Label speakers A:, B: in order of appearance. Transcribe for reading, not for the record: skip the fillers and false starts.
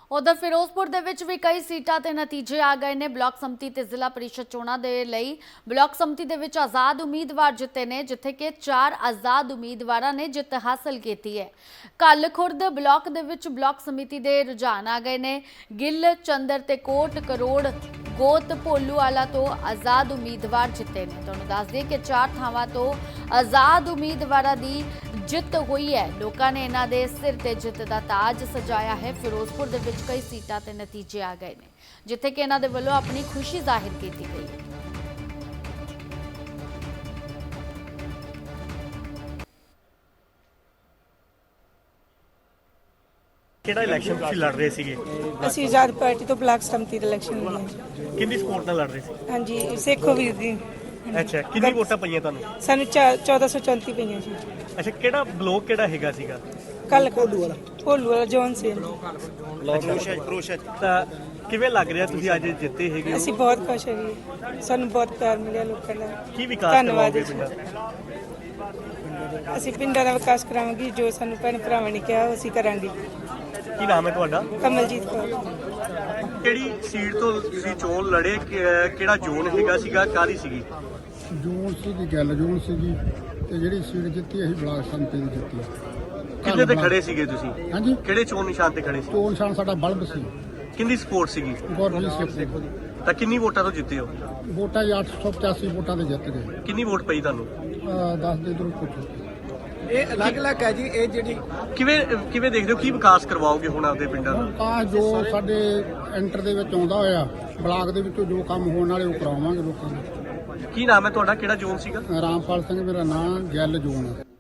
A: ਉਧਰ ਫਿਰੋਜ਼ਪੁਰ ਦੇ ਵਿੱਚ ਵੀ ਕਈ ਸੀਟਾਂ ਤੇ ਨਤੀਜੇ ਆ ਗਏ ਨੇ। ਬਲਾਕ ਸੰਮਤੀ ਤੇ ਜ਼ਿਲ੍ਹਾ ਪਰਿਸ਼ਦ ਚੋਣਾਂ ਦੇ ਲਈ ਬਲਾਕ ਸੰਮਤੀ ਦੇ ਵਿੱਚ ਆਜ਼ਾਦ ਉਮੀਦਵਾਰ ਜਿੱਤੇ ਨੇ, ਜਿੱਥੇ ਕਿ 4 ਆਜ਼ਾਦ ਉਮੀਦਵਾਰਾਂ ਨੇ ਜਿੱਤ ਹਾਸਲ ਕੀਤੀ ਹੈ। ਕੱਲ ਖੁਰਦ ਬਲਾਕ ਦੇ ਵਿੱਚ ਬਲਾਕ ਸਮਿਤੀ ਦੇ ਰੁਝਾਨ ਆ ਗਏ ਨੇ। ਗਿੱਲ, ਚੰਦਰ ਤੇ ਕੋਟ ਕਰੋੜ ਗੋਤ ਭੋਲੂਵਾਲਾ ਤੋਂ ਆਜ਼ਾਦ ਉਮੀਦਵਾਰ ਜਿੱਤੇ ਨੇ। ਤੁਹਾਨੂੰ ਦੱਸ ਦਈਏ ਕਿ 4 ਥਾਵਾਂ ਤੋਂ ਆਜ਼ਾਦ ਉਮੀਦਵਾਰਾਂ ਦੀ ਜਿੱਤ ਹੋਈ ਹੈ। ਲੋਕਾਂ ਨੇ ਇਹਨਾਂ ਦੇ ਸਿਰ ਤੇ ਜਿੱਤ ਦਾ ਤਾਜ ਸਜਾਇਆ ਹੈ। ਫਿਰੋਜ਼ਪੁਰ ਦੇ ਵਿੱਚ ਕਈ ਸੀਟਾਂ ਤੇ ਨਤੀਜੇ ਆ ਗਏ ਨੇ, ਜਿੱਥੇ ਕਿ ਇਹਨਾਂ ਦੇ ਵੱਲੋਂ ਆਪਣੀ ਖੁਸ਼ੀ ਜ਼ਾਹਿਰ ਕੀਤੀ ਗਈ ਹੈ।
B: ਕਿਹੜਾ ਇਲੈਕਸ਼ਨ ਤੁਸੀਂ ਲੜ ਰਹੇ ਸੀਗੇ?
C: ਅਸੀਂ ਆਜ਼ਾਦ ਪਾਰਟੀ ਤੋਂ ਬਲਾਕ ਸੰਮਤੀ ਦੇ ਇਲੈਕਸ਼ਨ ਲੜੇ।
B: ਕਿੰਨੀ ਸਪੋਰਟ ਨਾਲ ਲੜ ਰਹੇ ਸੀ?
C: ਹਾਂਜੀ, ਸੇਖੋ ਵੀਰ ਦੀ।
B: ਅੱਛਾ, ਕਿੰਨੀ ਵੋਟਾਂ ਪਈਆਂ ਤੁਹਾਨੂੰ?
C: ਸਾਨੂੰ 1434 ਪਈਆਂ ਜੀ।
B: ਅੱਛਾ, ਕਿਹੜਾ ਬਲੋਕ ਕਿਹੜਾ ਹੈਗਾ ਸੀਗਾ?
C: ਕੱਲ ਭੋਲੂ ਵਾਲਾ ਜੌਨ ਸਿੰਘ।
B: ਤਾਂ ਕਿਵੇਂ ਲੱਗ ਰਿਹਾ ਤੁਸੀਂ ਅੱਜ ਜਿੱਤੇ ਹੈਗੇ ਹੋ?
C: ਅਸੀਂ ਬਹੁਤ ਖੁਸ਼ ਹਾਂ ਜੀ, ਸਾਨੂੰ ਬਹੁਤ ਪਿਆਰ ਮਿਲਿਆ ਲੋਕਾਂ ਦਾ।
B: ਕੀ ਵਿਕਾਸ
C: ਧੰਨਵਾਦ
B: ਕਰਵਾਓਗੇ
C: ਜੀ।
B: ਪਿੰਡਾਂ?
C: ਅਸੀਂ ਪਿੰਡਾਂ ਦਾ ਵਿਕਾਸ ਕਰਾਵਾਂਗੇ, ਜੋ ਸਾਨੂੰ ਭੈਣ ਭਰਾਵਾਂ ਨੇ ਕਿਹਾ ਉਹ ਅਸੀਂ ਕਰਾਂਗੇ।
B: ਕੀ ਨਾਮ ਹੈ ਤੁਹਾਡਾ?
C: ਕਮਲਜੀਤ ਕੌਰ।
B: ਕਿਹੜੀ ਸੀਟ ਤੋਂ ਤੁਸੀਂ ਚੋਣ ਲੜੇ? ਕਿਹੜਾ ਜ਼ੋਨ ਹੈਗਾ ਸੀਗਾ? ਕਾਹਦੀ ਸੀਗੀ?
D: ਜੂਨ ਸੀਗੀ, ਗੱਲ ਜੂਨ ਸੀਗੀ ਤੇ ਜਿਹੜੀ ਸੀਟ ਜਿੱਤੀ ਅਸੀਂ ਬਲਾਕ ਸੰਮਤੀ ਦੀ ਜਿੱਤੀ।
B: ਕਿਹਦੇ ਤੇ ਖੜੇ ਸੀਗੇ ਤੁਸੀਂ?
D: ਹਾਂਜੀ,
B: ਕਿਹੜੇ ਚੋਣ ਨਿਸ਼ਾਨ ਤੇ ਖੜੇ ਸੀ?
D: ਚੋਣ ਨਿਸ਼ਾਨ ਸਾਡਾ ਬਲਬ ਸੀ,
B: ਕਿੰਨੀ ਸਪੋਰਟ ਸੀਗੀ?
D: ਗੁਰਜੀਤ ਸਿੰਘ।
B: ਤਾਂ ਕਿੰਨੀ ਵੋਟਾਂ ਤੋਂ ਜਿੱਤੇ ਹੋ?
D: ਵੋਟਾਂ 885 ਵੋਟਾਂ ਦੇ ਜਿੱਤ ਗਏ।
B: ਕਿੰਨੀ ਵੋਟ ਪਈ ਤੁਹਾਨੂੰ?
D: 10 ਦੇ ਇਧਰੋਂ ਪੁੱਛੋ।
E: ਇਹ ਅਲੱਗ-ਅਲੱਗ ਹੈ ਜੀ। ਇਹ ਜਿਹੜੀ
B: ਕਿਵੇਂ ਦੇਖਦੇ ਹੋ? ਕੀ ਵਿਕਾਸ ਕਰਵਾਓਗੇ ਹੁਣ ਆਪਦੇ ਪਿੰਡਾਂ ਦਾ?
D: ਤਾਂ ਜੋ ਸਾਡੇ ਐਂਟਰ ਦੇ ਵਿੱਚ ਆਉਂਦਾ ਹੋਇਆ ਬਲਾਕ ਦੇ ਵਿੱਚੋਂ ਜੋ ਕੰਮ ਹੋਣ ਵਾਲੇ ਉਹ ਕਰਾਵਾਂਗੇ ਲੋਕਾਂ ਨੂੰ।
B: ਕੀ ਨਾਮ ਹੈ ਤੁਹਾਡਾ? ਕਿਹੜਾ ਜ਼ੋਨ ਸੀਗਾ?
D: ਰਾਮਪਾਲ ਸਿੰਘ ਮੇਰਾ ਨਾਮ, ਗੱਲ ਜੋਨ ਹੈ।